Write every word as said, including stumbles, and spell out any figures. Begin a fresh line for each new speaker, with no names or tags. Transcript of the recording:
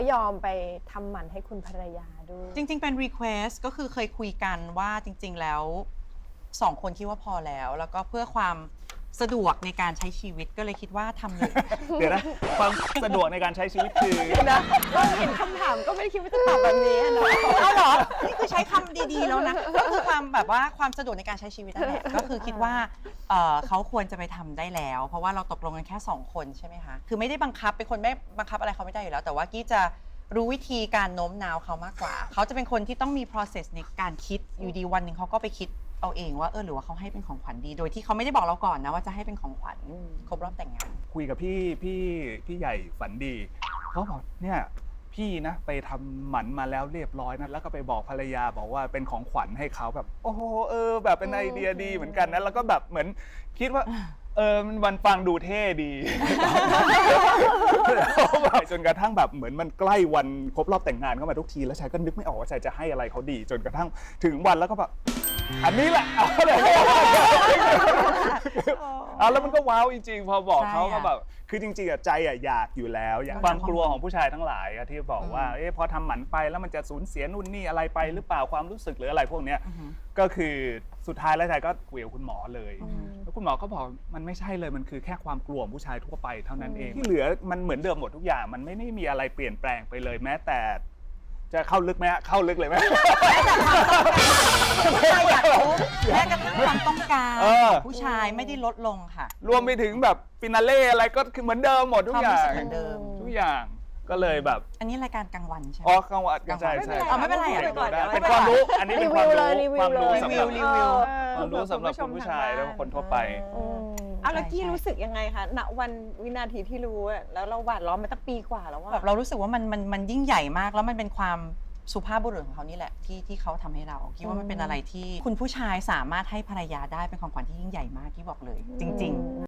ยอมไปทำหมันให้คุณภรรยาด้วย
จริงๆเป็น request ก็คือเคยคุยกันว่าจริงๆแล้วสองคนคิดว่าพอแล้วแล้วก็เพื่อความสะดวกในการใช้ชีวิตก็เลยคิดว่าทำเลย
เดี๋ยวนะความสะดวกในการใช้ชีวิตคือ
นะก็เห็นคำถามก็ไม่ได้คิดว่าจะตอบแบบนี้นะ
เอาเหรอ นี่คือใช้คำดีๆแล้วนะก็คือความแบบว่าความสะดวกในการใช้ชีวิตนั่นแหละก็คือคิดว่าเอ่อเขาควรจะไปทำได้แล้ว เพราะว่าเราตกลงกันแค่สองคนใช่ไหมคะคือไม่ได้บังคับเป็นคนไม่บังคับอะไรเขาไม่ได้อยู่แล้วแต่ว่ากี้จะรู้วิธีการโน้มน้าวเขามากกว่าเขาจะเป็นคนที่ต้องมี process ในการคิดอยู่ดีวันหนึ่งเขาก็ไปคิดเอาเองว่าเออหรือว่าเขาให้เป็นของขวัญดีโดยที่เขาไม่ได้บอกเราก่อนนะว่าจะให้เป็นของขวัญครบรอบแต่งงาน
คุยกับพี่พี่พี่ใหญ่ฝันดีเขาบอกเนี่ยพี่นะไปทำหมันมาแล้วเรียบร้อยนะแล้วก็ไปบอกภรรยาบอกว่าเป็นของขวัญให้เขาแบบโอ้โหเออแบบเป็นไอเดียดีเหมือนกันนะแล้วก็แบบเหมือนคิดว่าเออมันฟังดูเท่ดี จนกระทั่งแบบเหมือนมันใกล้วันครบรอบแต่งงานเข้ามาทุกทีแล้วชายก็นึกไม่ออกว่าชายจะให้อะไรเขาดี จนกระทั่งถึงวันแล้วก็แบบอันนี้แหละเอาเลยเอาแล้วมันก็ว้าวจริงๆพอบอกเขาก็แบบคือจริงๆอะใจอะอยากอยู่แล้วอยากความกลัวของผู้ชายทั้งหลายอะที่บอกว่าเอ๊ะพอทำหมันไปแล้วมันจะสูญเสียนู่นนี่อะไรไปหรือเปล่าความรู้สึกหรืออะไรพวกเนี้ยก็คือสุดท้ายแล้วชายก็คุยกับคุณหมอเลยแล้วคุณหมอก็บอกมันไม่ใช่เลยมันคือแค่ความกลัวของผู้ชายทั่วไปเท่านั้นเองที่เหลือมันเหมือนเดิมหมดทุกอย่างมันไม่ได้มีอะไรเปลี่ยนแปลงไปเลยแม้แต่จะเข้าลึกไหมฮะเข้าลึกเลยไหม
ผู้ชายอยากรู้แม้กระทั่งความต้องการผู้ชายไม่ได้ลดลงค่ะ
รวมไปถึงแบบฟินาเล่อะไรก็คือเหมือนเดิมหมดทุกอย่าง
เหมือนเดิม
ทุกอย่างก็เลยแบบ
อันนี้รายการกลางวันใช่ไหม
อ๋อกลางวันใช่ใช่
ไม่เป็นไร
เป็นความรู้อันนี้เป็นความรู้ความรู้สำหรับ
รีวิว
ความรู้สำหรับคุณผู้ชายและคนทั่วไป
เอาแล้วกี้รู้สึกยังไงคะณวันวินาทีที่รู้แล้วเราหวาดล้อมมาตั้งปีกว่าแล้วว่า
แบบเรารู้สึกว่ามันมันมันยิ่งใหญ่มากแล้วมันเป็นความสุภาพบุรุษของเขานี่แหละที่ที่เขาทำให้เราคิดว่ามันเป็นอะไรที่คุณผู้ชายสามารถให้ภรรยาได้เป็นของขวัญที่ยิ่งใหญ่มากที่บอกเลยจริงๆ